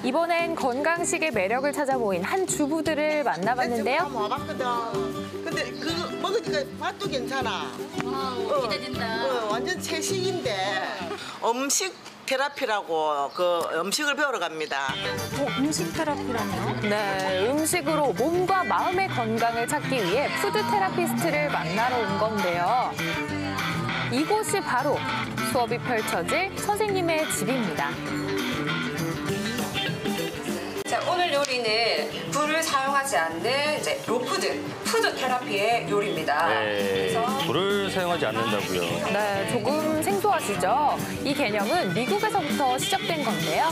이번엔 건강식의 매력을 찾아 모인 한 주부들을 만나봤는데요. 와봤거든. 근데 그거 먹으니까 맛도 괜찮아. 기대된다. 완전 채식인데 음식 테라피라고 그 음식을 배우러 갑니다. 음식 테라피라뇨? 네, 음식으로 몸과 마음의 건강을 찾기 위해 푸드 테라피스트를 만나러 온 건데요. 이곳이 바로 수업이 펼쳐질 선생님의 집입니다. 자, 오늘 요리는 불을 사용하지 않는 이제 푸드 테라피의 요리입니다. 네, 불을 사용하지 않는다고요. 네, 조금 생소하시죠? 이 개념은 미국에서부터 시작된 건데요.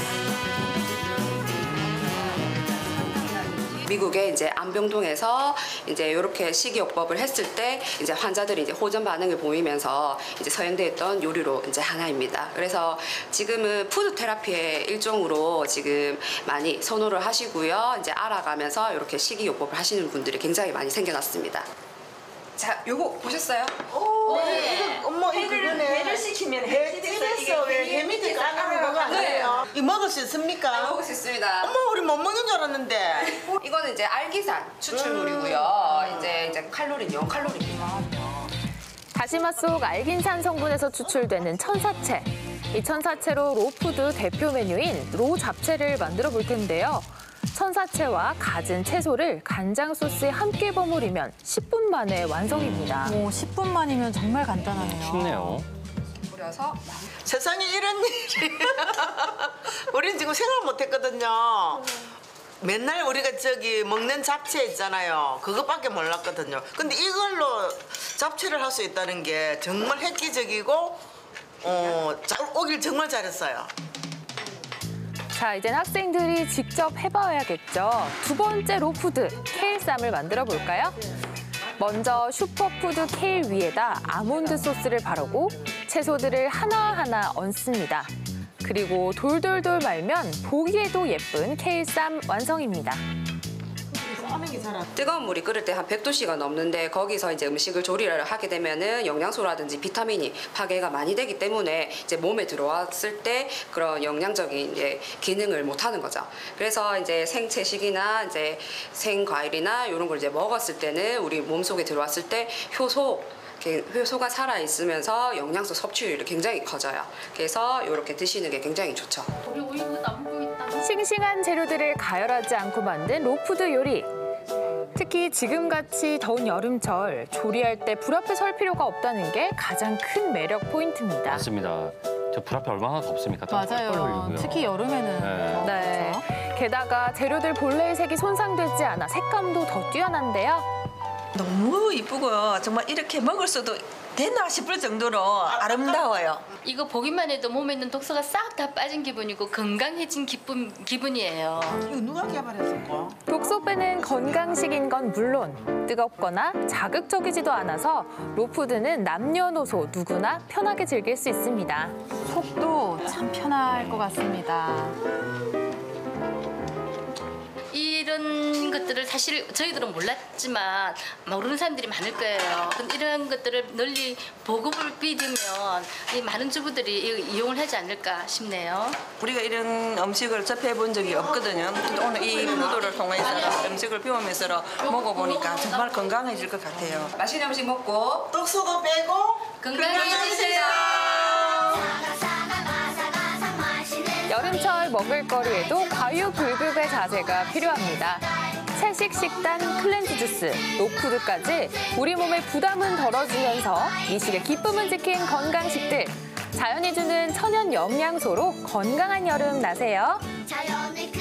미국의 이제 안병동에서 이제 이렇게 식이요법을 했을 때 이제 환자들이 이제 호전 반응을 보이면서 이제 서행되었던 요리로 이제 하나입니다. 그래서 지금은 푸드 테라피의 일종으로 지금 많이 선호를 하시고요. 이제 알아가면서 이렇게 식이요법을 하시는 분들이 굉장히 많이 생겨났습니다. 자, 요거 보셨어요? 네. 엄마 이 그거네. 배를 시키면 집에서 왜 해미들 까는 거 아니에요? 이 먹을 수 있습니까? 먹을 수 있습니다. 엄마 우리 못 먹는 줄 알았는데. 이거는 이제 알기산 추출물이고요. 이제 칼로리는 0칼로리입니다. 다시마 속 알긴산 성분에서 추출되는 천사채. 이 천사채로 로푸드 대표 메뉴인 로 잡채를 만들어 볼 텐데요. 천사채와 갖은 채소를 간장 소스에 함께 버무리면 10분 만에 완성입니다. 오, 10분 만이면 정말 간단하네요. 쉽네요. 뿌려서 세상에 이런 일이. 우린 지금 생각 못 했거든요. 맨날 우리가 저기 먹는 잡채 있잖아요. 그것밖에 몰랐거든요. 근데 이걸로 잡채를 할 수 있다는 게 정말 획기적이고 오길 정말 잘했어요. 자, 이젠 학생들이 직접 해봐야겠죠. 두 번째 로푸드, 케일쌈을 만들어 볼까요? 먼저 슈퍼푸드 케일 위에다 아몬드 소스를 바르고 채소들을 하나하나 얹습니다. 그리고 돌돌돌 말면 보기에도 예쁜 케일쌈 완성입니다. 뜨거운 물이 끓을 때 한 100도씨가 넘는데 거기서 이제 음식을 조리를 하게 되면은 영양소라든지 비타민이 파괴가 많이 되기 때문에 이제 몸에 들어왔을 때 그런 영양적인 이제 기능을 못 하는 거죠. 그래서 이제 생채식이나 이제 생과일이나 이런 걸 이제 먹었을 때는 우리 몸속에 들어왔을 때 효소가 살아 있으면서 영양소 섭취율이 굉장히 커져요. 그래서 이렇게 드시는 게 굉장히 좋죠. 싱싱한 재료들을 가열하지 않고 만든 로푸드 요리. 특히 지금같이 더운 여름철 조리할 때 불 앞에 설 필요가 없다는 게 가장 큰 매력 포인트입니다. 맞습니다. 저 불 앞에 얼마나 덥습니까? 땀 뻘뻘 맞아요. 흘리고요. 특히 여름에는. 네. 네. 게다가 재료들 본래의 색이 손상되지 않아 색감도 더 뛰어난데요. 너무 이쁘고 정말 이렇게 먹을 수도 되나 싶을 정도로 아름다워요. 이거 보기만 해도 몸에 있는 독소가 싹 다 빠진 기분이고 건강해진 기분이에요. 이거 누가 개발했을까? 독소 빼는 건강식인 건 물론 뜨겁거나 자극적이지도 않아서 로푸드는 남녀노소 누구나 편하게 즐길 수 있습니다. 속도 참 편할 것 같습니다. 이런 것들을 사실 저희들은 몰랐지만 모르는 사람들이 많을 거예요. 근데 이런 것들을 널리 보급을 비디면 이 많은 주부들이 이용을 하지 않을까 싶네요. 우리가 이런 음식을 접해 본 적이 없거든요. 근데 오늘 이 푸드를 통해서 음식을 배우면서 먹어보니까 정말 건강해질 것 같아요. 맛있는 음식 먹고 독소도 빼고 건강해지세요. 여름철 먹을거리에도 과유불급의 자세가 필요합니다. 채식 식단, 클렌즈 주스, 로푸드까지 우리 몸의 부담은 덜어주면서 미식의 기쁨을 지킨 건강식들. 자연이 주는 천연 영양소로 건강한 여름 나세요.